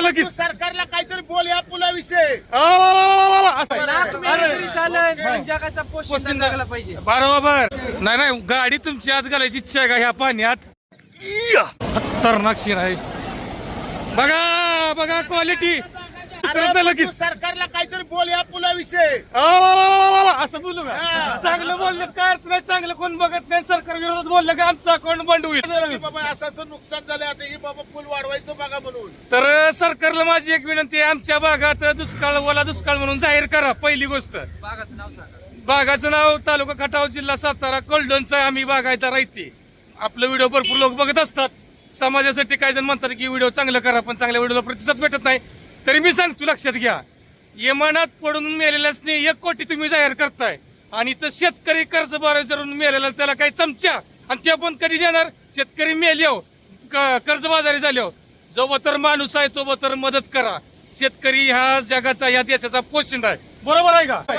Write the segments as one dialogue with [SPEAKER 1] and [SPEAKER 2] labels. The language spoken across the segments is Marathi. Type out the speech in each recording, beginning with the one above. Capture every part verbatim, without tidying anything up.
[SPEAKER 1] लगेच
[SPEAKER 2] सरकारला काहीतरी बोल या पुलाविषयी.
[SPEAKER 3] जगाचा पोषण जगायला पाहिजे.
[SPEAKER 1] बरोबर. नाही नाही गाडी तुमची आत घालायची इच्छा आहे का ह्या पाण्यात? इया! खतरनाक सीन आहे. बघा बघा क्वालिटी लगेच.
[SPEAKER 2] सरकारला काहीतरी बोल या पुलाविषयी.
[SPEAKER 1] असं बोलू का? चांगलं बोललं काय अर्थ नाही. चांगलं कोण बघत नाही. सरकार विरोधात बोललं का आमचं अकाउंट बंद होईल.
[SPEAKER 2] बाबा असं असं नुकसान झालं आता ही बाबा पूल वाढवायचं बघा म्हणून.
[SPEAKER 1] तर सरकारला माझी एक विनंती आहे, आमच्या भागात दुष्काळ ओला दुष्काळ म्हणून जाहीर करा. पहिली गोष्ट
[SPEAKER 3] बागाचं नाव सांगा.
[SPEAKER 1] बागाचं नाव तालुका खटाव जिल्हा सातारा कोल्डोनचा आम्ही बागायता राहते. आपलं व्हिडिओ भरपूर लोक बघत असतात. समाजासाठी काही जण म्हणतात की व्हिडिओ चांगलं करा, पण चांगल्या व्हिडिओला प्रतिसाद भेटत नाही. तरी मी सांगतो लक्षात घ्या, यमानात पडून मेलेल्याच एक कोटी तुम्ही जाहीर करताय आणि तर शेतकरी कर्ज बाजारून मेलेला त्याला काही चमच्या आणि ते पण कधी देणार? शेतकरी मेल्यो कर्जबाजारी झालो. जो तर माणूस आहे तो तर मदत करा. शेतकरी ह्या जगाचा ह्या देशाचा पोशिंदा आहे. बरोबर आहे का?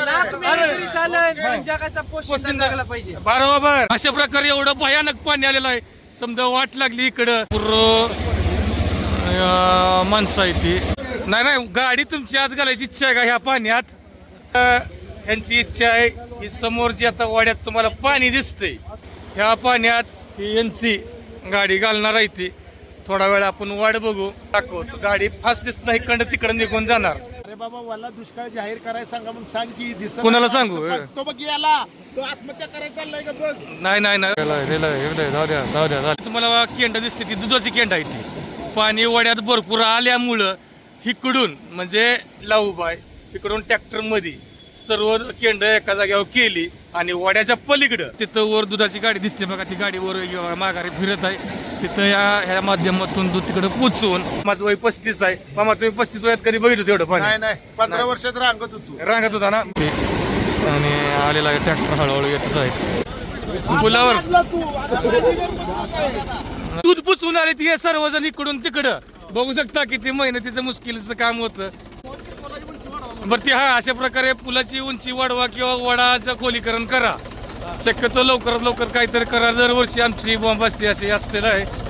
[SPEAKER 3] जगाचा पोषण जगायला पाहिजे.
[SPEAKER 1] बरोबर. अशा प्रकारे एवढं भयानक पाणी आलेलं आहे. समजा वाट लागली इकडं पूर्ण माणसं आहे ती. नाही नाही गाडी तुमची आत घालायची इच्छा आहे का ह्या पाण्यात? ह्यांची इच्छा आहे की समोर जी आता वाड्यात तुम्हाला पाणी दिसतंय ह्या पाण्यात ही यांची गाडी घालणार आहे ती. थोडा वेळ आपण वाट बघू. दाखवतो गाडी फास्ट दिसत नाही, इकडं तिकडं निघून जाणार.
[SPEAKER 2] अरे बाबा मला दुष्काळ जाहीर करायला सांगा म्हणून सांग की दिसत.
[SPEAKER 1] कुणाला सांगू?
[SPEAKER 2] तो बघ याला तो आत्महत्या करायला चाललाय का बघ.
[SPEAKER 1] नाही नाही नाही जाऊ द्या जाऊ द्या. तुम्हाला केंड दिसते ती दुधाची केंड आहे ती. पाणी वड्यात भरपूर आल्यामुळं इकडून म्हणजे लाऊबाय इकडून ट्रॅक्टर मध्ये सर्व केंड एका जागेवर केली आणि वड्याच्या पलीकडं तिथं वर दुधाची गाडी दिसते बघा. ती गाडी वर माघारी फिरत आहे. तिथं या ह्या माध्यमातून दूध तिकडे पोचवून. माझं वय पस्तीस आहे. मामा तुम्ही पस्तीस वयात कधी बघितलं तेवढं पाणी?
[SPEAKER 2] नाही नाही पंधरा वर्षात रांगत होतो.
[SPEAKER 1] रांगत होता ना. आणि आलेला ट्रॅक्टर हळूहळू येतच आहे पुलावर. दूध पुचवून आले ती सर्वजण इकडून तिकडं. बघू शकता किती मेहनतीचं मुश्किलचं काम होतं. बरं ती हा अशा प्रकारे पुलाची उंची वाढवा किंवा वडाचं खोलीकरण करा. शक्यतो लवकरात लवकर काहीतरी करा. दरवर्षी आमची बॉम्बास्टी अशी असलेलं आहे.